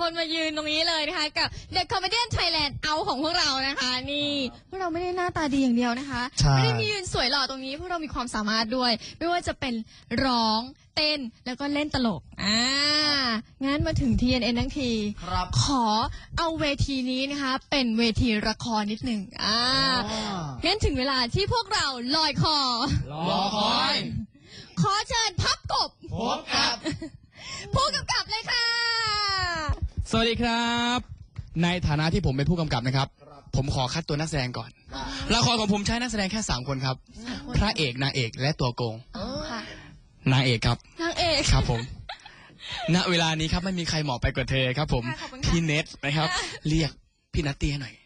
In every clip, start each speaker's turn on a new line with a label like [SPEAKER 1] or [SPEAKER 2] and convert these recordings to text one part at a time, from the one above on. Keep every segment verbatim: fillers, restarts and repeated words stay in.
[SPEAKER 1] คนมายืนตรงนี้เลยนะคะกับ The Comedian Thailand เอาของพวกเรานะคะนี่พวกเราไม่ได้หน้าตาดีอย่างเดียวนะคะไม่ได้มียืนสวยหล่อตรงนี้พวกเรามีความสามารถด้วยไม่ว่าจะเป็นร้องเต้นแล้วก็เล่นตลกอ่างั้นมาถึง ที เอ็น เอ็น ทั้งทีขอเอาเวทีนี้นะคะเป็นเวทีละครนิดหนึ่งอ่างั้นถึงเวลาที่พวกเราลอยคอ
[SPEAKER 2] รอคอย
[SPEAKER 1] ขอเชิญพับกบ
[SPEAKER 2] พบกับ
[SPEAKER 1] ผู้กำกับเลยค่ะ
[SPEAKER 3] สวัสดีครับในฐานะที่ผมเป็นผู้กำกับนะครับผมขอคัดตัวนักแสดงก่อนละครของผมใช้นักแสดงแค่สามคนครับพระเอกนางเอกและตัวโกงนางเอกครับ
[SPEAKER 1] นางเอก
[SPEAKER 3] ครับผมณเวลานี้ครับไม่มีใครเหมาะไปกว่าเธอครับผมพี่เนทนะครับเรียกพี่นัตตี้ให้หน่อย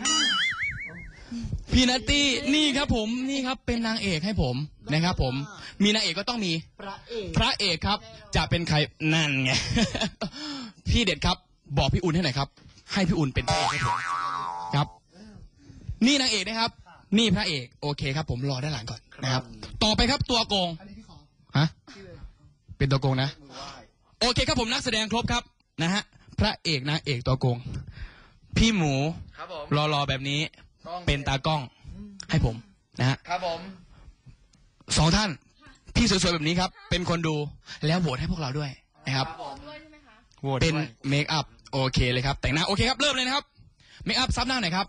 [SPEAKER 3] พี่นัตตี้นี่ครับผมนี่ครับเป็นนางเอกให้ผมนะครับผมมีนางเอกก็ต้องมีพระเอกพระเอกครับจะเป็นใครนั่นไงพี่เด็ดครับบอกพี่อุ่นให้หน่อยครับให้พี่อุ่นเป็นพระเอกให้ผมครับนี่นางเอกนะครับนี่พระเอกโอเคครับผมรอด้านหลังก่อนนะครับต่อไปครับตัวโกงฮะเป็นตัวโกงนะโอเคครับผมนักแสดงครบครับนะฮะพระเอกนางเอกตัวโกงพี่หมูรอรอแบบนี้เป็นตากล้องให้ผมนะฮะ
[SPEAKER 2] ครับผม
[SPEAKER 3] สองท่านพี่สวยๆแบบนี้ครับเป็นคนดูแล้วโหวตให้พวกเราด้วยนะครับเป็นเมคอัพโอเคเลยครับแต่งหน้าโอเคครับเริ่มเลยนะครับเมคอัพซับหน้าหน่อยครับ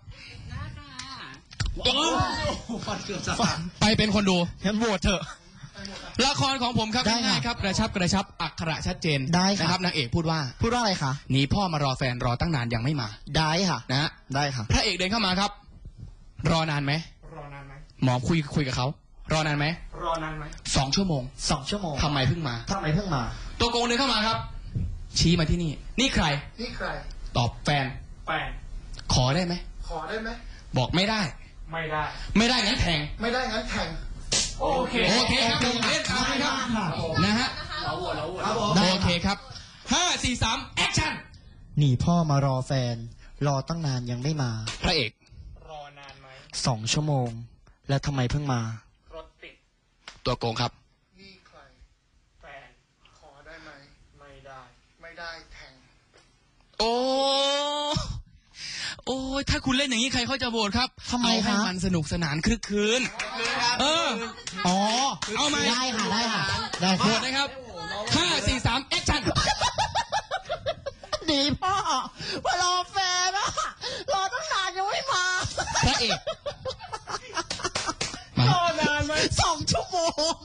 [SPEAKER 3] ไปเป็นคนดู
[SPEAKER 2] งั้นโหวตเถอะ
[SPEAKER 3] ละครของผมครับง่ายๆครับกระชับกระชับอักขระชัดเจน
[SPEAKER 2] ได้
[SPEAKER 3] นะครับนางเอกพูดว่า
[SPEAKER 2] พูดว่าอะไรคะ
[SPEAKER 3] หนีพ่อมารอแฟนรอตั้งนานยังไม่มา
[SPEAKER 2] ได้ค่ะ
[SPEAKER 3] นะฮะ
[SPEAKER 2] ได้ค่ะ
[SPEAKER 3] พระเอกเดินเข้ามาครับรอนานไหม
[SPEAKER 2] รอนานไหม
[SPEAKER 3] หมอคุยคุยกับเขารอนานไหม
[SPEAKER 2] รอนานไหม
[SPEAKER 3] สองชั่วโมง
[SPEAKER 2] สองชั่วโมง
[SPEAKER 3] ทำไมเพิ่งมา
[SPEAKER 2] ทำไมเพิ่งมา
[SPEAKER 3] ตัวโกงเดินเข้ามาครับชี้มาที่นี่นี่ใคร
[SPEAKER 2] นี่ใคร
[SPEAKER 3] ตอบแฟน
[SPEAKER 2] แฟน
[SPEAKER 3] ขอได้ไหม
[SPEAKER 2] ขอได้ไหม
[SPEAKER 3] บอกไม่ได้
[SPEAKER 2] ไม่ได้
[SPEAKER 3] ไม่ได้งั้นแทง
[SPEAKER 2] ไม่ได้งั้นแทงโอเค
[SPEAKER 3] โอเคครับผมเล่นตามครับนะฮะโอเคครับห้าสี่สามแอคชั่น
[SPEAKER 2] หนีพ่อมารอแฟนรอตั้งนานยังไม่มา
[SPEAKER 3] พระเอก
[SPEAKER 2] รอนานไหมสองชั่วโมงแล้วทำไมเพิ่งมารถติด
[SPEAKER 3] ตัวโกงครับ
[SPEAKER 2] นี่ใครแฟนขอได้ไหมไม่ได้ไม่ได้แทง
[SPEAKER 3] โอ้โอ้ยถ้าคุณเล่นอย่างนี้ใครเขาจะโหวตครับ
[SPEAKER 2] ทำไมครับ
[SPEAKER 3] ให้มันสนุกสนานคลึกครื้นเออ
[SPEAKER 2] อ๋อ
[SPEAKER 3] เอาไหม
[SPEAKER 2] ได้ค่ะได้ค่ะได้
[SPEAKER 3] โหวตนะครับห้าสี่สามแอคชั่น
[SPEAKER 2] หนีพ่อมารอแฟนอะรอตั้งนานยังไม่มา
[SPEAKER 3] พระเอก
[SPEAKER 2] รอนานไหมสองชั่วโมง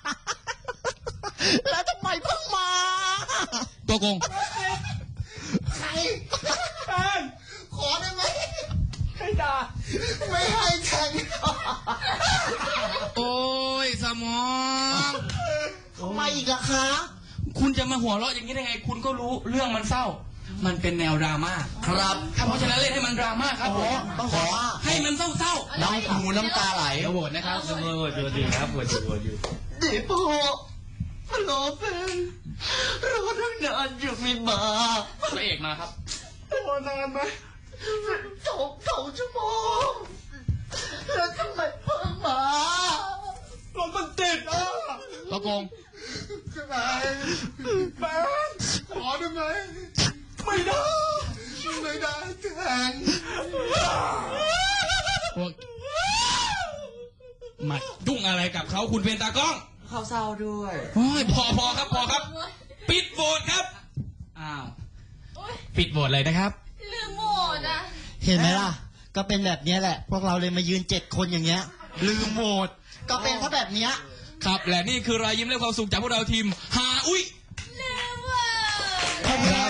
[SPEAKER 2] แล้วทำไมเพิ่งมา
[SPEAKER 3] ตัวโกง
[SPEAKER 2] ใครแฟนขอได้ไหมให้ด่าไม่ให้แข่ง
[SPEAKER 3] โอ้ยสมอง
[SPEAKER 2] ทำไมอีกอะคะ
[SPEAKER 3] คุณจะมาหัวเราะอย่างนี้ได้ไงคุณก็รู้เรื่องมันเศร้ามันเป็นแนวดราม่า
[SPEAKER 2] ครับ
[SPEAKER 3] เพราะฉะนั้นเล่นให้มันดราม่าครับผม
[SPEAKER 2] ต้องขอ
[SPEAKER 3] ให้มันเศร้าเศร้า
[SPEAKER 2] น้ำหูน้ำตาไหล
[SPEAKER 3] โหวตนะครับโหวตอยู่ดีครับโหวตอยู่โหวตอยู่
[SPEAKER 2] เดี๋ยวพ่อรอแฟนรอตั้งนานยังไม่มา
[SPEAKER 3] พระเอกมาครับ
[SPEAKER 2] รอนานไหมสองสองชั่วโมงแล้วทำไมเพิ่งมารถมันติดอ่ะ
[SPEAKER 3] ตะโกง
[SPEAKER 2] แฟนแฟนขอได้ไหมไม่ได้ไม่ได้แทง
[SPEAKER 3] มายุ่งอะไรกับเขาคุณเป็นตากล้อง
[SPEAKER 2] เขาเศร้าด้วย
[SPEAKER 3] โอ้ยพอพอครับพอครับปิดโหวตครับอ้าวปิดโหวตเลยนะครับ
[SPEAKER 1] ลืมโหวตอ่ะ
[SPEAKER 2] เห็นไหมล่ะก็เป็นแบบนี้แหละพวกเราเลยมายืนเจ็ดคนอย่างเงี้ยลืมโหวตก็เป็นเพราะแบบเนี้ย
[SPEAKER 3] ครับและนี่คือรอยยิ้มและความสุขจากพวกเราทีมหาอุ้ย
[SPEAKER 1] ลืมอ่ะ
[SPEAKER 2] ขอบคุณครับ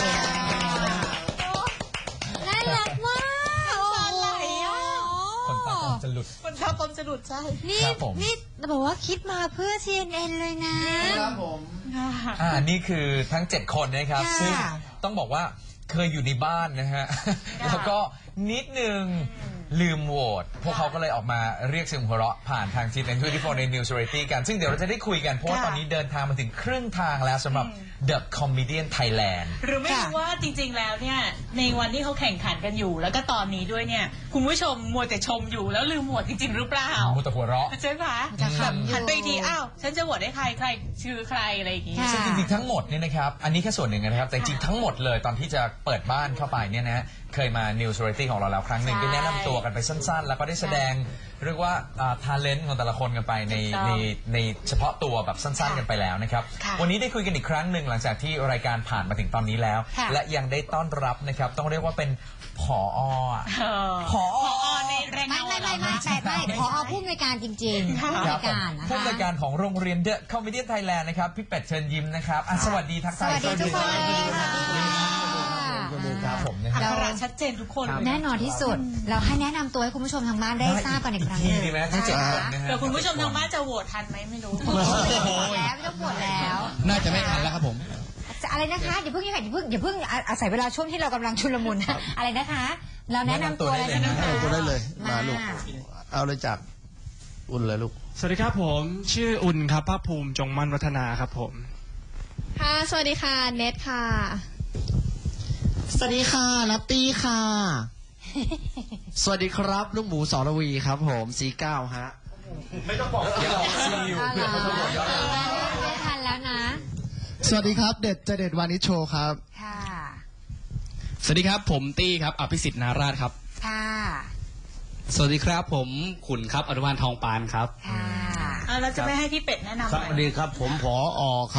[SPEAKER 1] น่ารักมากอะไรอ่ะ
[SPEAKER 4] คนตาผมจะหลุด
[SPEAKER 1] คนตาผมจะหลุดใช่นี่นี่บอกว่าคิดมาเพื่อ ที เอ็น เอ็น เลยนะครับ
[SPEAKER 2] ผม
[SPEAKER 4] อ่านี่คือทั้งเจ็ดคนนะครับซึ่งต้องบอกว่าเคยอยู่ในบ้านนะฮะแล้วก็นิดนึงลืมโหวตพวกเขาก็เลยออกมาเรียกเสียงหัวเราะผ่านทางทีม เอ็น ทเวนตี้โฟร์ ใน News Variety กันซึ่งเดี๋ยวเราจะได้คุยกันเพราะว่าตอนนี้เดินทางมาถึงครึ่งทางแล้วสำหรับ The Comedian Thailand
[SPEAKER 5] หรือไม่รู้ว่าจริงๆ แล้วเนี่ยในวันที่เขาแข่งขันกันอยู่ แล้วก็ตอนนี้ด้วยเนี่ยคุณผู้ชมมัวแต่ชมอยู่แล้วลืมโหวตจริงๆ หรือเปล่า
[SPEAKER 4] มูแต่หัวเราะ
[SPEAKER 5] ใช่ไหมแบบหันไปอีกทีอ้าวฉันจะโหวตให้ใครใครชื่อใครอะไรอย่างงี้
[SPEAKER 4] ซึ่งจริงๆทั้งหมดเนี่ยนะครับอันนี้แค่ส่วนหนึ่งนะครับแต่จริงๆทั้งหมดเลยตอนที่จะเปิดบ้านเข้าไปเนี่ยนะเคยมา News Variety ของเราแล้วครั้งหนึ่งได้แนะนำตัวกันไปสั้นๆ แล้วก็ได้แสดงเรียกว่าทาเลนต์ของแต่ละคนกันไปในในในเฉพาะตัวแบบสั้นๆกันไปแล้วนะครับวันนี้ได้คุยกันอีกครั้งหนึ่งหลังจากที่รายการผ่านมาถึงตอนนี้แล้ว และยังได้ต้อนรับนะครับต้องเรียกว่าเป็นผอผอ
[SPEAKER 5] ในแรง
[SPEAKER 6] ไม่
[SPEAKER 5] เงา
[SPEAKER 6] ไม่ไม่ไม่ไม่ไม่พอผู้อำนวยการจริงๆผู้อำนวยการนะคะ
[SPEAKER 4] ผู้อำนวยการของโรงเรียน The Comedian Thailand นะครับพี่เป็ดเชิญยิ้มนะครับอ่ะสวัสดีทักทาย
[SPEAKER 6] สวัสดีทุกคนเลยค่ะ
[SPEAKER 4] ครับผมนะค
[SPEAKER 5] อั
[SPEAKER 4] รับ
[SPEAKER 5] กขระชัดเจนทุกคน
[SPEAKER 6] แน่นอนที่สุด เราให้แนะนำตัวให้คุณผู้ชมทางบ้านได้ทราบกันอีกครั้งห
[SPEAKER 4] ที
[SPEAKER 6] นึ่ง
[SPEAKER 4] ดีไหมทั้งเจ็ดคนนะฮะ
[SPEAKER 5] เดี๋ยวคุณผู้ชมทางบ้านจะโหวตทันไหมไม่รู้
[SPEAKER 6] แล้วไม่ต้องปวดแล้ว
[SPEAKER 3] น่าจะไม่ทันแล้วครับผม
[SPEAKER 6] จะอะไรนะคะอย่าเพิ่งอย่าเพิ่งอย่าเพิ่งอย่าเพิ่งอาศัยเวลาช่วงที่เรากำลังชุลมุนนะอะไรนะคะ เราแนะนำตัวเลยนะคะ
[SPEAKER 2] เอาตัวได้เลยมาลูก
[SPEAKER 6] มา
[SPEAKER 2] เอาเลยจากอุ่นเลยลูก
[SPEAKER 7] สวัสดีครับผมชื่ออุ่นครับภาคภูมิจงมั่นวัฒนาครับผม
[SPEAKER 1] ค่ะ สวัสดีค่ะ เนทค่ะ
[SPEAKER 2] สวัสดีค่ะนัตตี้ค่ะ สวัสดีครับลูกหมูสรวีครับผมสีเก้าฮะ
[SPEAKER 4] ไม่ต้องบอกอย่าบอกซีอยู่
[SPEAKER 6] เอา
[SPEAKER 4] เพื่อ
[SPEAKER 6] ล่ะ
[SPEAKER 4] เขาจะบอกย้อนหลัง
[SPEAKER 6] ไม่ทันแล้วนะ
[SPEAKER 2] สวัสดีครับเด็ดจะเด็ดวานิชโชครับ
[SPEAKER 6] ค่ะ
[SPEAKER 3] สวัสดีครับผมตี้ครับอภิสิทธิ์นาราชครับ
[SPEAKER 6] ค่ะ
[SPEAKER 8] สวัสดีครับผมขุนครับอนุบาลทองปานครับ
[SPEAKER 6] ค่ะ
[SPEAKER 5] อ่ะเราจะไม่ให้พี่เป็ดแนะนำ
[SPEAKER 2] ครับ
[SPEAKER 5] ไห
[SPEAKER 2] ส
[SPEAKER 5] ม
[SPEAKER 2] วัสดีครับผมผออครับ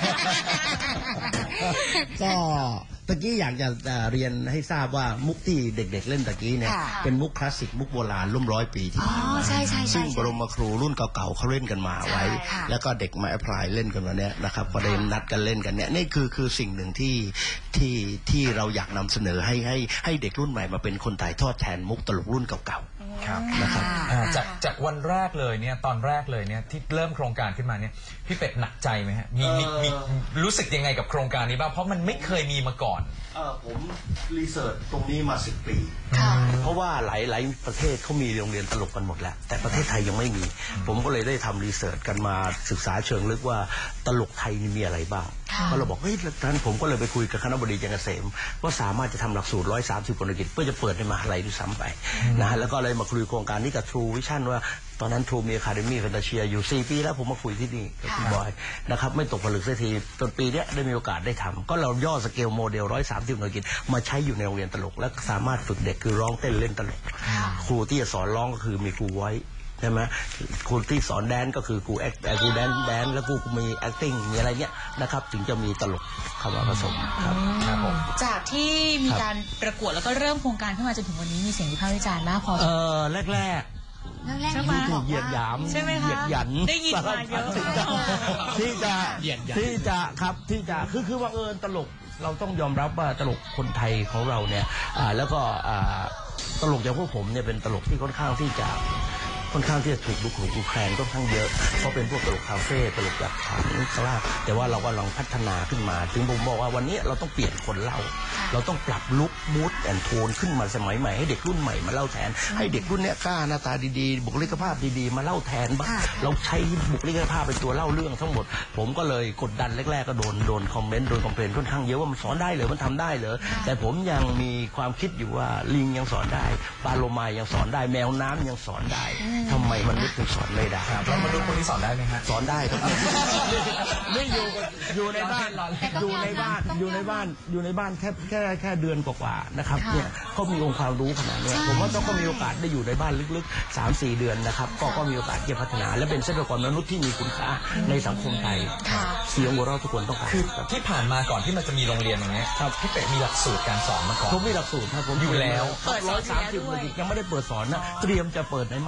[SPEAKER 2] ก็ตะกี้อยากจะเอ่อเรียนให้ทราบว่ามุกที่เด็กๆเล่นตะกี้เนี่ย
[SPEAKER 6] ค่ะ
[SPEAKER 2] เป็นมุกคลาสสิกมุกโบราณร่วมร้อยปีที่
[SPEAKER 6] อ๋อ
[SPEAKER 2] ผ่านมา
[SPEAKER 6] ใช่ใช่ใช่
[SPEAKER 2] ซึ่งบรมครูรุ่นเก่าๆเขาเล่นกันมาไว้
[SPEAKER 6] ใช่ค่ะ
[SPEAKER 2] แล้วก็เด็กมาแอพพลายเล่นกันมาเนี้ยนะครับก็ได้นัดกันเล่นกันเนี่ยนี่คือคือสิ่งหนึ่งที่ที่ที่เราอยากนำเสนอให้ให้ให้เด็กรุ่นใหม่มาเป็นคนถ่ายทอดแทนมุกตลกรุ่นเก่า
[SPEAKER 4] ครับ
[SPEAKER 2] นะครับ
[SPEAKER 4] อ่าจากจากวันแรกเลยเนี่ยตอนแรกเลยเนี่ยที่เริ่มโครงการขึ้นมาเนี่ยพี่เป็ดหนักใจไหมฮะมีมีมีรู้สึกยังไงกับโครงการนี้บ้างเพราะมันไม่เคยมีมาก่อน
[SPEAKER 2] เออผมรีเสิร์ชตรงนี้มาสิบปี เพราะว่าหลายหลายประเทศเขามีโรงเรียนตลกกันหมดแล้ว แต่ประเทศไทยยังไม่มี ผมก็เลยได้ทำรีเสิร์ชกันมาศึกษาเชิงลึกว่าตลกไทยนี่มีอะไรบ้างก็เราบอกเฮ้ยท่านผมก็เลยไปคุยกับคณบดีจันทร์เกษมว่าสามารถจะทำหลักสูตรร้อยสามสิบคนกิจเพื่อจะเปิดในมหาลัยด้วยซ้ำไปนะฮะแล้วก็เลยมาคุยโครงการนี้กับ True Vision ว่าตอนนั้น True มี Academy Fantasia อยู่สี่ปีแล้วผมมาคุยที่นี่กับคุณบอยนะครับไม่ตกผลึกสักทีจนปีเนี้ยได้มีโอกาสได้ทำก็เราย่อสเกลโมเดลร้อยสามสิบคนกิจมาใช้อยู่ในโรงเรียนตลกและสามารถฝึกเด็กคือร้องเต้นเล่นตลกครูที่จะสอนร้องก็คือมีครูไว้ใช่ไหมครูที่สอนแดนก็คือครูแอคครูแดนแดนแล้วครูมี acting มีอะไรเงี้ยนะครับถึงจะมีตลกเข้ามาผสมครับครับผม
[SPEAKER 5] จากที่มี
[SPEAKER 2] ครับ
[SPEAKER 5] การประกวดแล้วก็เริ่มโครงการขึ้นมาจนถึงวันนี้มีเสียงวิพากษ์วิจารณ์มากพอ
[SPEAKER 2] เออแรก
[SPEAKER 6] แรกๆ
[SPEAKER 5] ใช่ไหม
[SPEAKER 6] ที่
[SPEAKER 2] ๆ
[SPEAKER 6] บ
[SPEAKER 2] ถู
[SPEAKER 6] อก
[SPEAKER 2] กเหยียดหยาม
[SPEAKER 5] ใช่ไหมคะ
[SPEAKER 2] เหยียดหยัน
[SPEAKER 5] ได้ยินมาเยอะ
[SPEAKER 2] ที่จะที่จะ
[SPEAKER 3] เหยียดหยัน
[SPEAKER 2] ที่จะครับที่จะคือคือว่าเออตลกเราต้องยอมรับว่าตลกคนไทยของเราเนี่ยอ่าแล้วก็อ่าตลกอย่างพวกผมเนี่ยเป็นตลกที่ค่อนข้างที่จะค่อนข้างที่จะถูกดูถูกดูแคลนค่อนข้างเยอะเพราะเป็นพวกตลกคาเฟ่ตลกแบบถังกล้าแต่ว่าเราก็ลองพัฒนาขึ้นมา ถึงผมบอกว่าวันนี้เราต้องเปลี่ยนคนเล่า เราต้องปรับลุคมูดแอนโทนขึ้นมาสมัยใหม่ให้เด็กรุ่นใหม่มาเล่าแทน ให้เด็กรุ่นเนี้ยกล้าหน้าตาดีๆ บุคลิกภาพดีๆมาเล่าแทนบ้างเราใช้บุคลิกภาพเป็นตัวเล่าเรื่องทั้งหมด ผมก็เลยกดดันแรกๆก็โดนโดนคอมเมนต์โดนคอมเพลนค่อนข้างเยอะว่ามันสอนได้เหรอมันทำได้เหรอแต่ผมยังมีความคิดอยู่ว่าลิงยังสอนได้ปลาโลมายังสอนได้แมวน้ำยังสอนได้ทำไมมันไม่ถึงสอนไม่ได้
[SPEAKER 4] เรามาดูคนที่สอนได้ไหมฮะ
[SPEAKER 2] สอนได้ครับไม่อยู่อยู่ในบ้าน
[SPEAKER 6] แต่ก็
[SPEAKER 2] อยู่ในบ้าน
[SPEAKER 6] ต้อง
[SPEAKER 2] อยู่ในบ้านอยู่ในบ้านแค่แค่แค่เดือนกว่าๆนะครับเนี่ยเขามีองค์ความรู้ขนาดเนี้ยผมว่าต้องก็มีโอกาสได้อยู่ในบ้านลึกๆ สามสี่ เดือนนะครับก็ก็มีโอกาสที่จะพัฒนา และเป็นทรัพยากรมนุษย์ที่มีคุณค่าในสังคมไทยเสียงหัวเราะทุกคนต้องการ
[SPEAKER 4] คือ
[SPEAKER 2] ครับ
[SPEAKER 4] ที่ผ่านมาก่อนที่มันจะมีโรงเรียนอย่างเงี้ยพี่เป็ดมีหลักสูตรการสอนมาก่อน
[SPEAKER 2] ผมมีหลักสูตรครับผม
[SPEAKER 4] อยู่แล้ว
[SPEAKER 2] ร้อยสามสิบคนยังไม่ได้เปิดสอนนะเตรียมจะเปิดในมหาลัย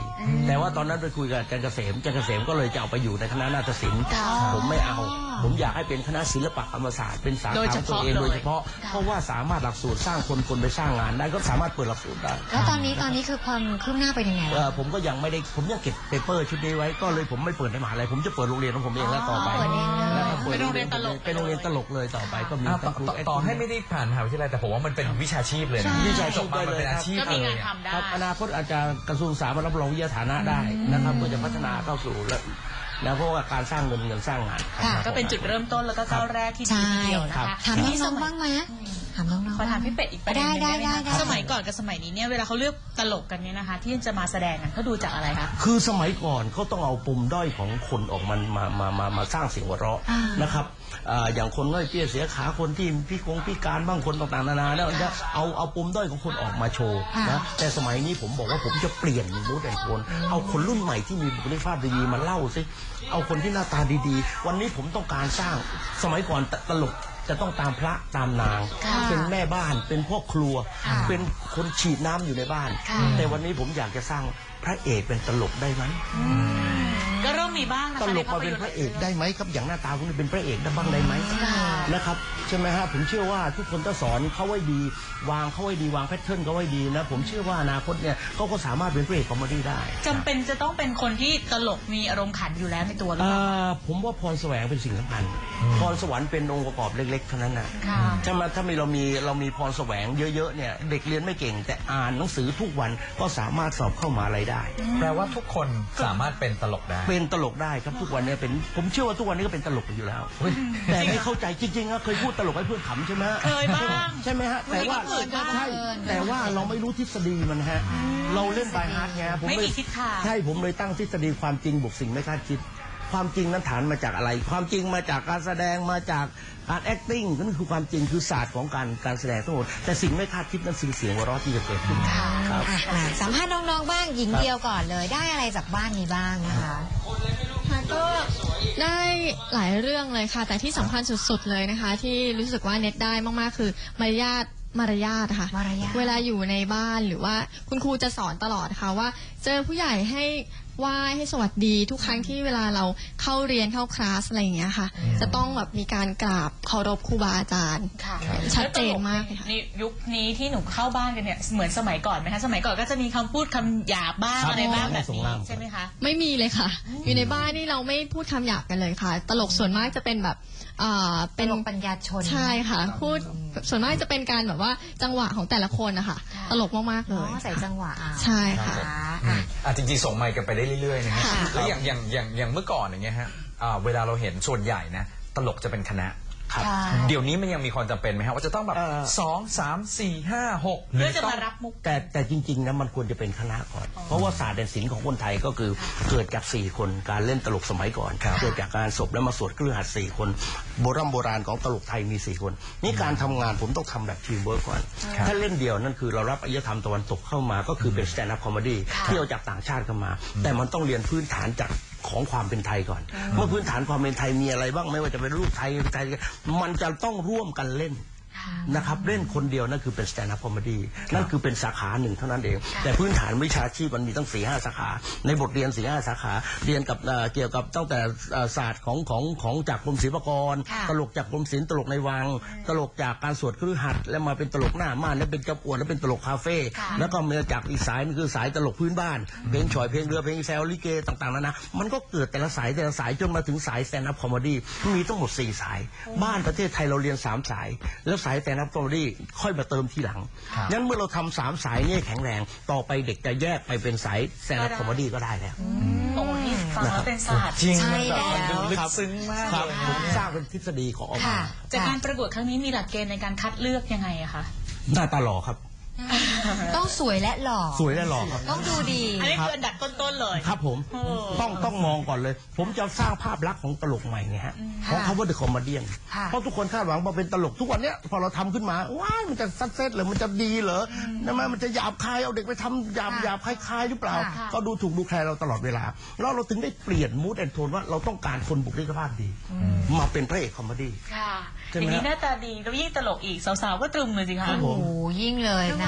[SPEAKER 2] แต่ว่าตอนนั้นไปคุยกับอาจารย์เกษมอาจารย์เกษมก็เลยจะเอาไปอยู่ในคณะนาฏศิลป์ผมไม่เอาผมอยากให้เป็นคณะศิลปะธรรมศาสตร์เป็นสาขาของตัวเองโดยเฉพาะเพราะว่าสามารถหลักสูตรสร้างคนคนไปสร้างงานได้ก็สามารถเปิดหลักสูตรได้
[SPEAKER 6] แล้วตอนนี้ตอนนี้คือความคืบหน้าไปยังไง
[SPEAKER 2] เออผมก็ยังไม่ได้ผมยังเก็บเปเปอร์ชุดนี้ไว้ก็เลยผมไม่เปิดในมหาลัยผมจะเปิดโรงเรียนของผมเองแล้วต่อไป
[SPEAKER 6] เปิดเองเลย
[SPEAKER 2] แล้วก็ปิด
[SPEAKER 5] เป็นโรงเรียนตลก
[SPEAKER 2] เป็นโรงเรียนตลกเลยต่อไปก็มี
[SPEAKER 4] อ่า
[SPEAKER 2] ทั้
[SPEAKER 4] ต่อง
[SPEAKER 2] ครู
[SPEAKER 4] ต่อต่อให้ไม่ได้ผ่านมหาวิทยาลัยแต่ผมว่ามันเป็นวิชาชีพเลยนะ
[SPEAKER 2] วิชาชี
[SPEAKER 4] จ
[SPEAKER 2] พ
[SPEAKER 4] บมามัน
[SPEAKER 2] ได้เลย
[SPEAKER 4] เป็นอาชีพ
[SPEAKER 5] ก็
[SPEAKER 4] เล
[SPEAKER 5] มี
[SPEAKER 4] ย
[SPEAKER 5] งาน
[SPEAKER 4] อะ
[SPEAKER 5] ทำได้
[SPEAKER 2] ครับอนาคตอาจจะกระทรวงศึกษามารับรองวิทยาฐานะได้นะครับก็จะพัฒนาเข้าสู่แล้วแล้วเพราะว่าการสร้างเงินเงินสร้างงาน
[SPEAKER 6] ค่ะ
[SPEAKER 5] ก็เป็นจุดเริ่มต้นแล้วก็ก้าวแรกที่ดีทีเดียวนะคะ
[SPEAKER 6] ถามน้องๆบ้างไหมถามน้องๆ
[SPEAKER 5] ขอถามพี่เป็ดอีกประเด็นหนึง
[SPEAKER 6] ได้
[SPEAKER 5] ได้ไหม
[SPEAKER 6] ได้
[SPEAKER 5] คะ
[SPEAKER 6] ได้
[SPEAKER 5] สมัยก่อนกับสมัยนี้เนี่ยเวลาเขาเลือกตลกกันเนี่ยนะคะ ที่จะมาแสดงกันเขาดูจากอะไรคะ
[SPEAKER 2] คือสมัยก่อนเขาต้องเอาปุ่มด้อยของคนออกมามามามามาสร้างเสียงหัวเราะนะครับอ่าอย่างคนน้อยเปี้ยเสียขาคนที่พิกงพิการบ้างคนต่างๆนานาแล้วจะเอาเอาปุ่มด้อยของคนออกมาโชว์นะแต่สมัยนี้ผมบอกว่าผมจะเปลี่ยนมูดแอนโทนเอาคนรุ่นใหม่ที่มีบุคลิกภาพดีๆมาเล่าสิเอาคนที่หน้าตาดีๆวันนี้ผมต้องการสร้างสมัยก่อนตลกจะต้องตามพระตามนางเป็นแม่บ้านเป็นพ่อครัวเป็นคนฉีดน้ำอยู่ในบ้านแต่วันนี้ผมอยากจะสร้างพระเอกเป็นตลกได้ไหม
[SPEAKER 5] ก็เริ่มมีบ้างนะคะ
[SPEAKER 2] ตลกมาเป็นพระเอกได้ไหมครับอย่างหน้าตาคุณเป็นพระเอกได้บ้างได้ไหมนะครับใช่ไหมฮะผมเชื่อว่าทุกคนต้องสอนเขาไว้ดีวางเขาไว้ดีวางแพทเทิร์นเขาไว้ดีนะผมเชื่อว่าอนาคตเนี่ยเขาก็สามารถเป็นพระเอกคอมเมดี้ได้
[SPEAKER 5] จำเป็นจะต้องเป็นคนที่ตลกมีอารมณ์ขันอยู่แล้วในตัวหรือเปล่า
[SPEAKER 2] อ่าผมว่าพรแสวงเป็นสิ่งสำคัญพรสวรรค์เป็นองค์ประกอบเล็กๆเท่านั้นนะ
[SPEAKER 5] ค่ะ
[SPEAKER 2] ใช่ไหมถ้ามีเรามีเรามีพรแสวงเยอะๆเนี่ยเด็กเรียนไม่เก่งแต่อ่านหนังสือทุกวันก็สามารถสอบเข้ามหาอะไรได้
[SPEAKER 4] แปลว่าทุกคนสามารถเป็นตลกได้
[SPEAKER 2] เป็นตลกได้ครับทุกวันนี้เป็นผมเชื่อว่าทุกวันนี้ก็เป็นตลกกันอยู่แล้วแต่ไม่เข้าใจจริงๆนะเคยพูดตลกให้เพื่อนขำใช่ไหมฮะ
[SPEAKER 5] เคยบ้าง
[SPEAKER 2] ใช่ไหมฮะแต่ว่า
[SPEAKER 5] เคยบ้าง
[SPEAKER 2] ใช่แต่ว่าเราไม่รู้ทฤษฎีมันฮะเราเล่นบายฮาร์ดไงผม
[SPEAKER 5] ไม่
[SPEAKER 2] เล
[SPEAKER 5] มี
[SPEAKER 2] ย
[SPEAKER 5] ทิศทาง
[SPEAKER 2] ใช่ผมเลยตั้งทฤษฎีความจริงบวกสิ่งไม่คาดคิดความจริงนั้นฐานมาจากอะไร ความจริงมาจากการแสดงมาจากการ acting นั่นคือความจริงคือศาสตร์ของการการแสดงทั้งหมดแต่สิ่งไม่คาดคิดนั้นสิ่งเสียงหัวเราะที่จะเกิดขึ้นครับ
[SPEAKER 6] อ่ะมาสัมภาษณ์น้องๆบ้างหญิงเดียวก่อนเลยได้อะไรจากบ้านนี้บ้างนะคะ
[SPEAKER 1] ค่ะก็ได้หลายเรื่องเลยค่ะ แต่ที่สำคัญสุดๆเลยนะคะ ที่รู้สึกว่าเน็ตได้มากๆคือมารยาทมารยาทค่ะ
[SPEAKER 6] มารยาท
[SPEAKER 1] เวลาอยู่ในบ้านหรือว่าคุณครูจะสอนตลอดค่ะว่าเจอผู้ใหญ่ให้ไหว้ให้สวัสดีทุกครั้งที่เวลาเราเข้าเรียนเข้าคลาสอะไรอย่างเงี้ยค่ะ จะต้องแบบมีการกราบเคารพครูบาอาจารย์
[SPEAKER 5] ค่ะ
[SPEAKER 1] ชัดเจนมากเลยค่ะ
[SPEAKER 5] ในยุคนี้ที่หนูเข้าบ้านกันเนี่ยเหมือนสมัยก่อนไหมคะสมัยก่อนก็จะมีคำพูดคำหยาบบ้าง
[SPEAKER 2] ครับ
[SPEAKER 5] อะไรบ้างแบบ
[SPEAKER 2] ส่ง
[SPEAKER 5] นี้
[SPEAKER 2] ล่าง
[SPEAKER 5] ใช่ไหมคะ
[SPEAKER 1] ไม่มีเลยค่ะ อยู่ในบ้านนี่เราไม่พูดคำหยาบกันเลยค่ะ ตลกส่วนมากจะเป็นแบบอ่า
[SPEAKER 6] เป็
[SPEAKER 1] เป็น น
[SPEAKER 6] ปัญญาชน
[SPEAKER 1] ใช่ค่ะ พูดส่วนมากจะเป็นการแบบว่าจังหวะของแต่ละคนนะคะ
[SPEAKER 6] ค่ะ
[SPEAKER 1] ตลกมากๆเล
[SPEAKER 6] อ๋อย ใส่จังหวะเอา
[SPEAKER 1] ใช่ค่ะ
[SPEAKER 6] อ่ะ
[SPEAKER 4] อ่ะจริงๆส่งไมค์กันไปได้เรื่อยๆนะฮะ
[SPEAKER 1] ค่ะ
[SPEAKER 4] แล้วอย่างอย่างอย่างอย่างเมื่อก่อนอย่างเงี้ยฮะอ่าเวลาเราเห็นส่วนใหญ่นะตลกจะเป็นคณะ
[SPEAKER 2] ครับ
[SPEAKER 6] ใช่
[SPEAKER 4] เดี๋ยวนี้มันยังมีความจำเป็นไหมฮะว่าจะต้องแบบ
[SPEAKER 2] เอ่อ
[SPEAKER 4] สองสามสี่ห้าหกหรื
[SPEAKER 5] เพื่
[SPEAKER 4] อ
[SPEAKER 5] อจะ
[SPEAKER 4] ต้อง
[SPEAKER 5] มารับมุก
[SPEAKER 2] แต่แต่จริงๆนะมันควรจะเป็นคณะก่อน เพราะว่าศาสตร์แดนศิลป์ของคนไทยก็คือเกิดจากสี่คนการเล่นตลกสมัยก่อน
[SPEAKER 4] ครับ
[SPEAKER 2] เกิดจากการศพแล้วมาสวดเครื่องหัตถ์สี่คนโบราณโบราณของตลกไทยมีสี่คน นี่การทำงานผมต้องทำแบบทีมเวิร์กก่อนถ้าเล่นเดียวนั่นคือเรารับอารยธรรมตะวันตกเข้ามาก็คือเป็นสแตนด์อัพคอมเมดี้ที่เอาจากต่างชาติเข้ามา แต่มันต้องเรียนพื้นฐานจากของความเป็นไทยก่อน เมื่อพื้นฐานความเป็นไทยมีอะไรบ้างไม่ว่าจะเป็นรูปไทยไทยมันจะต้องร่วมกันเล่น นะครับเล่นคนเดียวนั่นคือเป็น stand up comedy นั่นคือเป็นสาขาหนึ่งเท่านั้นเอง แต่พื้นฐานวิชาชีพมันมีตั้งสี่ห้าสาขาในบทเรียนสี่ห้าสาขาเรียนกับเอ่อเกี่ยวกับตั้งแต่เอ่อศาสตร์ของของของจากกรมศิลปากร
[SPEAKER 6] ค่ะ
[SPEAKER 2] ตลกจากกรมศิลป์ตลกในวัง ตลกจากการสวดคฤหัสถ์แล้วมาเป็นตลกหน้าม่านแล้วเป็นเจ้าอวดแล้วเป็นตลกคาเฟ่แล้วก็มาจากอีกสายนึงคือสายตลกพื้นบ้านเพลงฉ่อยเพลงเรือเพลงแซวลิเกต่างๆนานามันก็เกิดแต่ละสายแต่ละสายจนมาถึงสาย stand up comedy มีทั้งหมดสี่สาย บ้านประเทศไทยเราเรียนสามสายแล้วสาย stand up comedyค่อยมาเติมทีหลังงั้นเมื่อเราทำสามสายนี่แข็งแรงต่อไปเด็กจะแยกไปเป็นสายแซนด์คอมเมดี้ก็ได้แล้ว
[SPEAKER 5] โอ้นี่ฟังแล้วเป็นศาสตร์
[SPEAKER 4] จริง
[SPEAKER 6] ใช่
[SPEAKER 4] มันแบบมัน
[SPEAKER 6] แล้ว
[SPEAKER 4] ลึกซึ้งมาก
[SPEAKER 2] ครับ
[SPEAKER 4] เลย
[SPEAKER 2] ผมสร้างเป็นทฤษฎีของออกมา
[SPEAKER 6] ค่ะ
[SPEAKER 5] จากการประกวดครั้งนี้มีหลักเกณฑ์ในการคัดเลือกยังไงอะคะ
[SPEAKER 2] หน้าตาหล่อครับ
[SPEAKER 6] ต้องสวยและหล่อ
[SPEAKER 2] สวยและหล่อครับ
[SPEAKER 6] ต้องดูดี
[SPEAKER 5] อันนี้คืออันดับต้นๆเลย
[SPEAKER 2] ครับผม
[SPEAKER 5] โอ้
[SPEAKER 2] ต้องต้องมองก่อนเลย ผมจะสร้างภาพลักษณ์ของตลกใหม่ไงฮะของเขาว่าเดอะคอมเมดี้
[SPEAKER 6] ค่ะ
[SPEAKER 2] เพราะทุกคนคาดหวังมาเป็นตลกทุกวันเนี้ยพอเราทำขึ้นมาว้ายมันจะซัดเซตเหรือมันจะดีเหรอทำไมมันจะหยาบคายเอาเด็กไปทำหยาบหยาบคลายๆหรือเปล่า
[SPEAKER 6] ค่ะ
[SPEAKER 2] ก็ดูถูกดูแคลนเราตลอดเวลาแล้วเราถึงได้เปลี่ยนมูดแอนโทนว่าเราต้องการคนบุคลิกภาพดี มาเป็นพระเอกคอมเมดี้
[SPEAKER 5] ค่ะ
[SPEAKER 2] ใช่ไหม
[SPEAKER 5] อย่างนี้หน้าตาดีแล้วยิ่งตลกอีกสาวๆก็ตรึมเลยสิคะ
[SPEAKER 2] ครับผม
[SPEAKER 6] โอ้โหยิ่งเลยนะ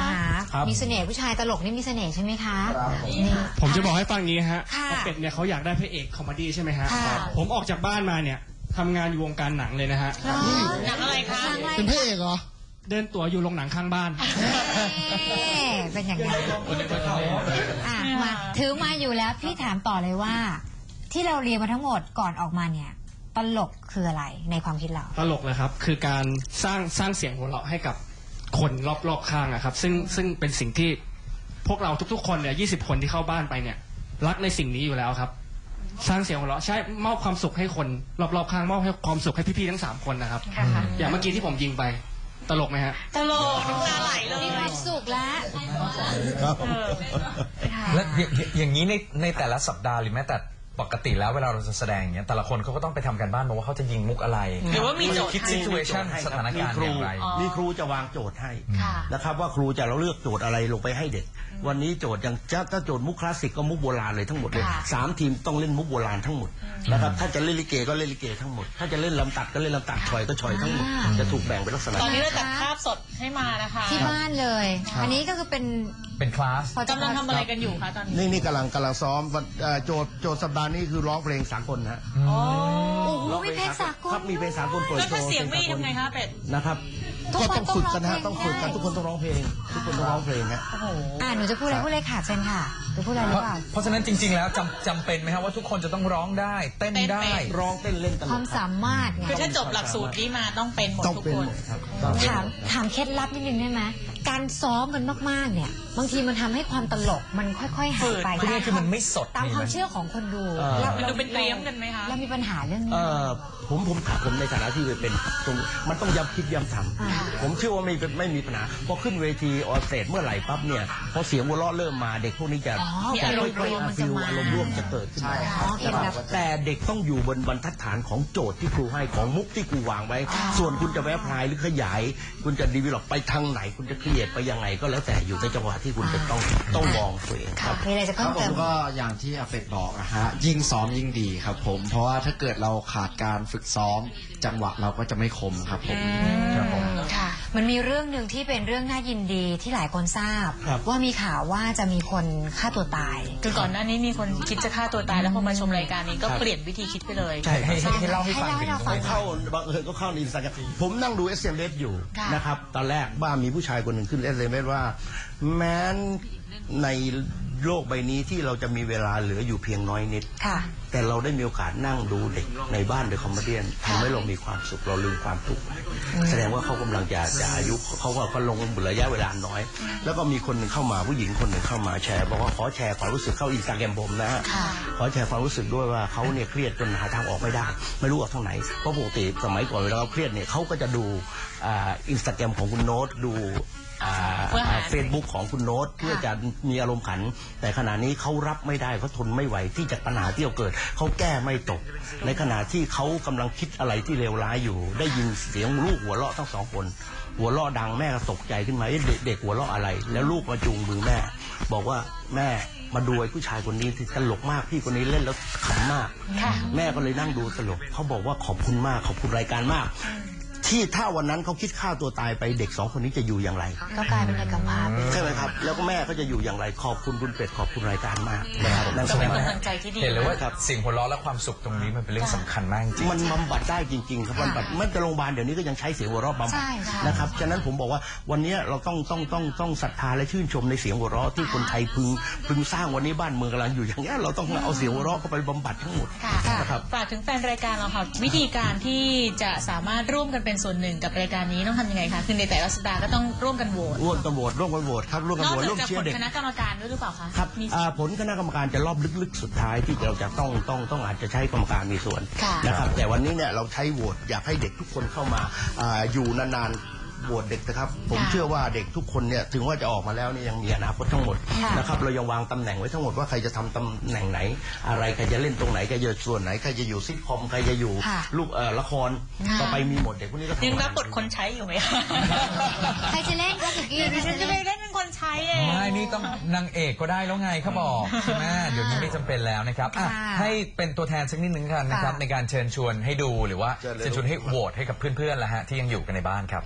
[SPEAKER 6] นะคะ
[SPEAKER 2] ครับ
[SPEAKER 6] มีเสน่ห์ผู้ชายตลกนี่มีเสน่ห์ใช่ไหมคะนี่
[SPEAKER 7] ผมจะบอกให้ฟังนี้ฮะ
[SPEAKER 6] ค่ะ
[SPEAKER 7] ว่าเป็ดเนี่ยเขาอยากได้พระเอกคอมเมดี้ใช่ไหมฮะ
[SPEAKER 6] ค่ะ
[SPEAKER 7] ผมออกจากบ้านมาเนี่ยทำงานอยู่วงการหนังเลยนะฮะ
[SPEAKER 6] เหรอ
[SPEAKER 5] หนังอะไรคะ
[SPEAKER 6] หนังอะไร
[SPEAKER 9] เป็นพระเอกเหรอ
[SPEAKER 7] เดินตั๋วอยู่โรงหนังข้างบ้าน
[SPEAKER 6] เอ๊ะเป็นอย่างนั้นอ่ะมาถือมาอยู่แล้วพี่ถามต่อเลยว่า ที่เราเรียนมาทั้งหมดก่อนออกมาเนี่ยตลกคืออะไรในความคิดเรา
[SPEAKER 7] ตลกเลยครับ คือการสร้างสร้างเสียงหัวเราะให้กับคนรอบๆข้างอะครับ ซึ่งซึ่งเป็นสิ่งที่พวกเราทุกๆคนเนี่ยยี่สิบคนที่เข้าบ้านไปเนี่ย รักในสิ่งนี้อยู่แล้วครับ สร้างเสียงหัวเราะใช่มอบความสุขให้คนรอบๆข้างมอบให้ความสุขให้พี่ๆทั้งสามคนนะครับ
[SPEAKER 5] ค่ะ
[SPEAKER 7] อย่างเมื่อกี้ที่ผมยิงไปตลกไหมฮะ
[SPEAKER 5] ตลกน้ำตาไหลเลย
[SPEAKER 6] มีความสุขแล้ว
[SPEAKER 9] ครับ
[SPEAKER 5] เออค่ะ
[SPEAKER 4] และอย่างอย่างนี้ในในแต่ละสัปดาห์หรือแม้แต่ปกติแล้วเวลาเราจะแสดงอย่างเงี้ยแต่ละคนเขาก็ต้องไปทำกันบ้านมาว่าเขาจะยิงมุกอะไร
[SPEAKER 5] หรือว่ามีโจทย์
[SPEAKER 4] คิด
[SPEAKER 5] ให้
[SPEAKER 4] ซิทูเอชันสถานการณ์อย่างไร
[SPEAKER 5] อ๋อ
[SPEAKER 2] มีครูจะวางโจทย์ให้
[SPEAKER 5] ค่ะ
[SPEAKER 2] นะครับว่าครูจะเราเลือกโจทย์อะไรลงไปให้เด็ก วันนี้โจทย์อย่างจะถ้าโจทย์มุกคลาสสิกก็มุกโบราณเลยทั้งหมดเลย
[SPEAKER 6] ค่ะ
[SPEAKER 2] สามทีมต้องเล่นมุกโบราณทั้งหมดนะครับถ้าจะเล่นลิเกก็เล่นลิเกทั้งหมด ถ้าจะเล่นลำตัดก็เล่นลำตัดชอยก็ชอยทั้งหมด
[SPEAKER 6] อ่า
[SPEAKER 2] จะถูกแบ่งเป็นลักษณะ
[SPEAKER 5] ตอนนี้เราจัดภาพสดให้มานะคะ
[SPEAKER 6] ที่บ้านเลย อันนี้ก็คือเป็น
[SPEAKER 4] เป็นคลาส
[SPEAKER 6] พอจะ
[SPEAKER 5] กำลังทำอะไรกันอยู่คะตอนนี้
[SPEAKER 9] นี่นี่กำลังกำลังซ้อมวันเอ่อโจทย์โจทย์สัปดาห์นี้คือร้องเพลงสากลนะฮะ
[SPEAKER 6] โอ้โหมีเพลงสากล
[SPEAKER 2] ครับมีเพลงสากลโปรย
[SPEAKER 5] แล้ว
[SPEAKER 2] โช
[SPEAKER 5] ถ้า
[SPEAKER 2] ว์
[SPEAKER 5] เสียงไม่ดีทำไงคะเป็ด
[SPEAKER 2] นะครับ
[SPEAKER 6] ทุก
[SPEAKER 9] ก็
[SPEAKER 6] คน
[SPEAKER 9] ต้องฝึกกันนะฮะ
[SPEAKER 6] ต้
[SPEAKER 9] ต้
[SPEAKER 6] อ
[SPEAKER 9] อง ง
[SPEAKER 6] ร้
[SPEAKER 9] ฝึ
[SPEAKER 6] อง
[SPEAKER 9] ก
[SPEAKER 6] เพลง
[SPEAKER 9] กันทุกคนต้องร้องเพลง ทุกคนต้องร้องเพลงฮะ
[SPEAKER 5] โอ้โห
[SPEAKER 6] อ่าหนูจะพูดอะไรพูดเลยค่ะเชิญค่ะหนูพูดอะไรห
[SPEAKER 4] เพ
[SPEAKER 6] รือ
[SPEAKER 4] ราะ
[SPEAKER 6] เปล่า
[SPEAKER 4] เพราะฉะนั้นจริง ๆ แล้วจำจำเป็นไหมครับว่าทุกคนจะต้องร้องได้เต้นได้
[SPEAKER 5] เต้นเป็น
[SPEAKER 2] ร้องเต้นเล่นตลก
[SPEAKER 6] ความสามารถไง
[SPEAKER 5] คือถ้าจบหลักสูตรนี้มาต้องเป็นหมด
[SPEAKER 9] ต้อง
[SPEAKER 5] ทุก
[SPEAKER 9] เป็น
[SPEAKER 5] คน
[SPEAKER 9] หมดครับ
[SPEAKER 6] ถามถามเคล็ดลับนิดนึงได้ไหมการซ้อมกันมากๆเนี่ย บางทีมันทำให้ความตลกมันค่อยๆหายไป
[SPEAKER 4] คือคือมันไม่สด
[SPEAKER 6] ตาม
[SPEAKER 4] นี่
[SPEAKER 6] ความ
[SPEAKER 4] นะ
[SPEAKER 6] เชื่อของคนดู
[SPEAKER 2] เออ
[SPEAKER 6] รา
[SPEAKER 5] มันดูเป็นเตรียมกันไหมคะ
[SPEAKER 6] เรามีปัญหาเรื่องนี้
[SPEAKER 2] เอ่อผมผมถามผมในฐานะที่เป็นตรงมันต้องย้ำคิดย้ำท
[SPEAKER 6] อ่า
[SPEAKER 2] ำผมเชื่อว่าไม่เป็นไม่มีปัญหาพอขึ้นเวทีออนสเตจเมื่อไหร่ปั๊บเนี่ยพอเสียงหัวเราะเริ่มมาเด็กพวกนี้จะ
[SPEAKER 6] อ๋อ
[SPEAKER 2] จะ
[SPEAKER 6] อารมณ์
[SPEAKER 2] ค่อย
[SPEAKER 6] ร่วม
[SPEAKER 2] ๆ
[SPEAKER 6] มัน
[SPEAKER 2] ฟิ
[SPEAKER 6] จะ
[SPEAKER 2] ล
[SPEAKER 6] มา
[SPEAKER 2] อารมณ์ร่วมจะเกิดขึ้นมา
[SPEAKER 6] อ๋อเองแบบ
[SPEAKER 2] แต่เด็กต้องอยู่บนบรรทัดฐานของโจทย์ที่ครูให้ของมุกที่ครูวางไว้ ส่วนคุณจะแวะพลายหรือขยาย คุณจะดีวิลอปไปทางไหน คุณจะเครียดไปยังไงก็แล้วแต่อยู่ในจังหวะที่คุณจะต้องต้องมองตัวเองค
[SPEAKER 6] ค่ะ
[SPEAKER 2] รับ
[SPEAKER 6] มีอะไรจะ
[SPEAKER 10] ครั
[SPEAKER 6] เพิ่
[SPEAKER 10] บ
[SPEAKER 6] ม
[SPEAKER 10] ผ
[SPEAKER 6] เติ
[SPEAKER 10] ม
[SPEAKER 6] ม
[SPEAKER 10] ก็อย่างที่อาเป็ดบอกนะฮะยิ่งซ้อมยิ่งดีครับผม เพราะว่าถ้าเกิดเราขาดการฝึกซ้อม จังหวะเราก็จะไม่คมครับผม
[SPEAKER 4] ครับผม
[SPEAKER 6] ค่ะ มันมีเรื่องหนึ่งที่เป็นเรื่องน่ายินดีที่หลายคนทราบ
[SPEAKER 2] ครับ
[SPEAKER 6] ว่ามีข่าวว่าจะมีคนฆ่าตัวตาย
[SPEAKER 5] คือก่อนหน้านี้มีคนคิดจะฆ่าตัวตายแล้วพอมาชมรายการนี้ก็
[SPEAKER 2] ครับ
[SPEAKER 5] เปลี่ยนวิธีคิดไปเลย
[SPEAKER 2] ใช่
[SPEAKER 4] ให้ให้ให้เล่าให้ฟังถึง
[SPEAKER 6] ให้เล่าให้เราฟั
[SPEAKER 2] ไป
[SPEAKER 6] ง
[SPEAKER 2] เข้าบังเอิญก็เข้าในอินสตาแกรมผมนั่งดู เอส เอ็ม เอส อยู่
[SPEAKER 6] ค่ะ
[SPEAKER 2] นะครับ ตอนแรกบ้ามีผู้ชายคนหนึ่งขึ้น เอส เอ็ม เอส ว่า แม้นในโลกใบนี้ที่เราจะมีเวลาเหลืออยู่เพียงน้อยนิด
[SPEAKER 6] ค่ะ
[SPEAKER 2] แต่เราได้มีโอกาสนั่งดูเด็กในบ้านเดอะคอมเมเดี้ทำให้เรามีความสุขเราลืมความทุกข์แสดงว่าเขากำลังจะจะอายุเขาก็ก็ลงระยะเวลาน้อย แล้วก็มีคนหนึ่งเข้ามาผู้หญิงคนหนึ่งเข้ามาแชร์บอกว่าขอแชร์ความรู้สึกเข้าอินสตาแกรมผมนะฮะ
[SPEAKER 6] ค่ะ
[SPEAKER 2] ขอแชร์ความรู้สึกด้วยว่าเขาเนี่ยเครียดจนหาทางออกไม่ได้ ไม่รู้ออกทางไหนเพราะปกติสมัยก่อนเวลาเขาเครียดเนี่ยเขาก็จะดูอ่าอินสตาแกรมของคุณโน้ตดู
[SPEAKER 5] เพื่อหา
[SPEAKER 2] เฟซบุ๊กของคุณโน้ตเพื่อจะมีอารมณ์ขัน แต่ขณะนี้เขารับไม่ได้เขาทนไม่ไหวที่จะปัญหาที่เกิดเขาแก้ไม่ตก ในขณะที่เขากำลังคิดอะไรที่เลวร้ายอยู่ ได้ยินเสียงลูกหัวเราะทั้งสองคน หัวเราะดังแม่ก็ตกใจขึ้นมาเอ๊ะเด็กเด็กหัวเราะอะไร แล้วลูกมาจูงมือแม่ บอกว่าแม่มาดูไอ้ผู้ชายคนนี้ที่ตลกมากพี่คนนี้เล่นแล้วขำมาก แม่ก็เลยนั่งดูตลกเขาบอกว่าขอบคุณมากขอบคุณรายการมาก ที่ถ้าวันนั้นเขาคิดฆ่าตัวตายไปเด็กสองคนนี้จะอยู่อย่างไร
[SPEAKER 6] ก็กลายเป็นเด็กกำพร้าไป
[SPEAKER 2] ใช่ไหมครับ แล้วก็แม่ก็จะอยู่อย่างไรขอบคุณคุณเป็ดขอบคุณรายการมากนะครับนั่น
[SPEAKER 5] ก็
[SPEAKER 2] ก็
[SPEAKER 5] เป็น
[SPEAKER 2] หมาย
[SPEAKER 5] กำลังใจที่ดี
[SPEAKER 4] เห็นเลยว่า
[SPEAKER 2] ครับ
[SPEAKER 4] เสิ่งหัวเราะและความสุขตรงนี้มันเป็นเรื่องสำคัญมากจริง
[SPEAKER 2] มันบำบัดได้จริงๆครับบำบัดไม่แต่โรงพยาบาลเดี๋ยวนี้ก็ยังใช้เสียงหัวเราะบำบัด
[SPEAKER 6] ใช่ใช่
[SPEAKER 2] นะครับฉะนั้นผมบอกว่าวันนี้เราต้องต้องต้องต้องศรัทธาและชื่นชมในเสียงหัวเราะที่คนไทยพึงพึงสร้างวันนี้บ้านเมืองกำลังอยู่อย่างนี้ยเราต้องเอาเสียงหัวเราะเข้าไปบำบัดทั้งหมด
[SPEAKER 5] ค่ะ
[SPEAKER 2] นะครับ
[SPEAKER 5] ฝากถึงแฟนรายการเราค่ะวิธีการที่จะสามารถร่วมกันเป็นส่วนหนึ่งกับรายการนี้ต้องทำยังไงคะคือในแต่ละสัปดาห์ก็ต้องร่วมกันโหวต
[SPEAKER 2] ร่วมกันโหวตร่วมกันโหวตครับร่วมกัน
[SPEAKER 5] นอก
[SPEAKER 2] โหวต
[SPEAKER 5] จาก
[SPEAKER 2] ร่วม
[SPEAKER 5] จะ
[SPEAKER 2] เชีย
[SPEAKER 5] ผ
[SPEAKER 2] ร์
[SPEAKER 5] ล
[SPEAKER 2] เด็ก
[SPEAKER 5] คณะกรรมการด้วยหรือเปล่าคะ
[SPEAKER 2] ครับ
[SPEAKER 5] มี
[SPEAKER 2] อ่าผลคณะกรรมการจะรอบลึกๆสุดท้ายที่เราจะต้องต้องต้องอาจจะใช้กรรมการมีส่วน
[SPEAKER 5] ค่ะ
[SPEAKER 2] นะครับแต่วันนี้เนี่ยเราใช้โหวตอยากให้เด็กทุกคนเข้ามาอาอยู่นานๆโหวตเด็กนะครับผม
[SPEAKER 5] ค่ะ
[SPEAKER 2] เชื่อว่าเด็กทุกคนเนี่ยถึงว่าจะออกมาแล้วเนี่ยยังมีอนาคตทั้งหมด
[SPEAKER 6] ค่ะ
[SPEAKER 2] นะครับเรายังวางตำแหน่งไว้ทั้งหมดว่าใครจะทำตำแหน่งไหน อะไรใครจะเล่นตรงไหนใครจะส่วนไหนใครจะอยู่ซิทคอมใครจะอยู่
[SPEAKER 6] ค่ะ
[SPEAKER 2] ลูกเอ่อละคร
[SPEAKER 5] ค่ะ
[SPEAKER 2] ต่อไปมีหมดเด็กพวกนี้ก็ทำ
[SPEAKER 5] ยัง
[SPEAKER 2] งาน
[SPEAKER 5] รับบทคนใช้อยู่ไหมคะ
[SPEAKER 6] ใครจะเล่นก็สุกี้
[SPEAKER 5] ดิฉันจะไปเล่นเป็นคนใช้เอง
[SPEAKER 4] ไม่นี่ต้องนางเอกก็ได้แล้วไงเขาบอกใช่ไหมเดี๋ยวนี้ไม่จำเป็นแล้วนะครับอ่ะ
[SPEAKER 6] ค่ะ
[SPEAKER 4] ให้เป็นตัวแทนสักนิดนึงกันนะครับ
[SPEAKER 6] ค่ะ
[SPEAKER 4] ในการเชิญชวนให้ดูหรือว่า
[SPEAKER 2] เชิญเลย
[SPEAKER 4] เชิญชวนให้โหวตให้กับเพื่อนๆละฮะที่ยังอยู่กันในบ้านครับ
[SPEAKER 1] ค่ะ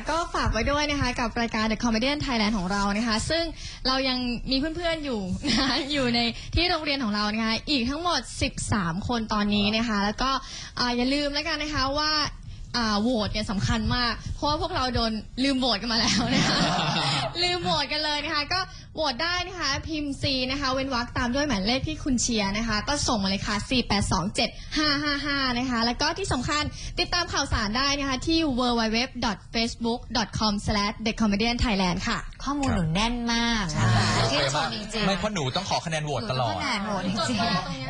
[SPEAKER 1] ก็ฝากไว้ด้วยนะคะกับรายการ The Comedian Thailand ของเรานะคะซึ่งเรายังมีเพื่อนๆอยู่นะคะอยู่ในที่โรงเรียนของเรานะคะอีกทั้งหมดสิบสามคนตอนนี้นะคะแล้วก็อ่าอย่าลืมแล้วกันนะคะว่าอ่าโหวตเนี่ยสำคัญมากเพราะว่าพวกเราโดนลืมโหวตกันมาแล้วนะคะ ลืมโหวตกันเลยนะคะก็โหวตได้นะคะพิมพ์ C นะคะเว้นวรรคตามด้วยหมายเลขที่คุณเชียร์นะคะก็ส่งมาเลยค่ะ สี่ แปด สอง เจ็ด ห้า ห้า ห้า นะคะแล้วก็ที่สำคัญติดตามข่าวสารได้นะคะที่ ดับเบิลยู ดับเบิลยู ดับเบิลยู ดอท เฟซบุ๊ก ดอท คอม สแลช เดอะ คอมเมดี้ ไทยแลนด์ ค่ะ
[SPEAKER 6] ข้อมูลหนูแน่นมากนะคะชื่นชมจริงๆ
[SPEAKER 4] ไม่เพราะหนูต้องขอคะแนนโหวตตลอด
[SPEAKER 6] หนูต้องคะแนนโหวตจริงๆ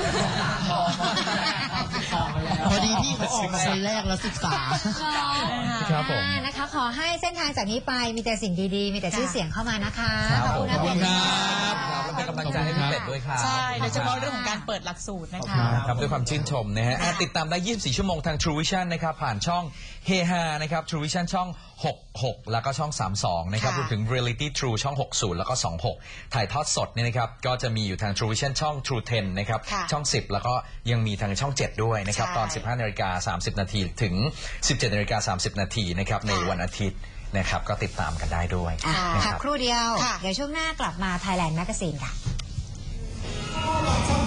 [SPEAKER 9] พอดีพี่เขาออกมาคนแรกแล้วศึกษา
[SPEAKER 4] ครับผม
[SPEAKER 6] อ่านะคะขอให้เส้นทางจากนี้ไปมีแต่สิ่งดีๆ มีแต่ชื่อเสียงเข้ามานะคะ
[SPEAKER 4] ครับ
[SPEAKER 6] ขอบคุณนะ
[SPEAKER 4] ขอบคุณ
[SPEAKER 6] เป็ด
[SPEAKER 4] ครับแล้วเป็นกำลังใจให้พี่เป็ดด้วยครับ
[SPEAKER 5] ใช่โดยเฉพาะเรื่องของการเปิดหลักสูตรนะคะ
[SPEAKER 4] ครับด้วยความชื่นชมนะฮะอ่ะติดตามได้ยี่สิบสี่ชั่วโมงทาง True Vision นะครับผ่านช่องเฮฮานะครับ True Vision ช่องหกหกแล้วก็ช่องสามสิบสองนะครับ
[SPEAKER 6] ค่ะ
[SPEAKER 4] รวมถึง Reality True ช่องหกสิบแล้วก็สองสิบหกถ่ายทอดสดเนี่ยนะครับก็จะมีอยู่ทาง True Vision ช่อง True สิบนะครับ
[SPEAKER 6] ค่ะ
[SPEAKER 4] ช่องสิบแล้วก็ยังมีทางช่องเจ็ดด้วยนะครับ
[SPEAKER 6] ใช่
[SPEAKER 4] ตอน สิบห้านาฬิกาสามสิบนาทีถึง สิบเจ็ดนาฬิกาสามสิบนาทีนะครับในวันอาทิตย์นะครับก็ติดตามกันได้ด้วย
[SPEAKER 6] อ่ะ
[SPEAKER 4] นะค
[SPEAKER 6] พั
[SPEAKER 4] รั
[SPEAKER 6] ก
[SPEAKER 4] บ
[SPEAKER 6] ครู่เดียว เดี๋ยวช่วงหน้ากลับมา Thailand Magazine ค่ะ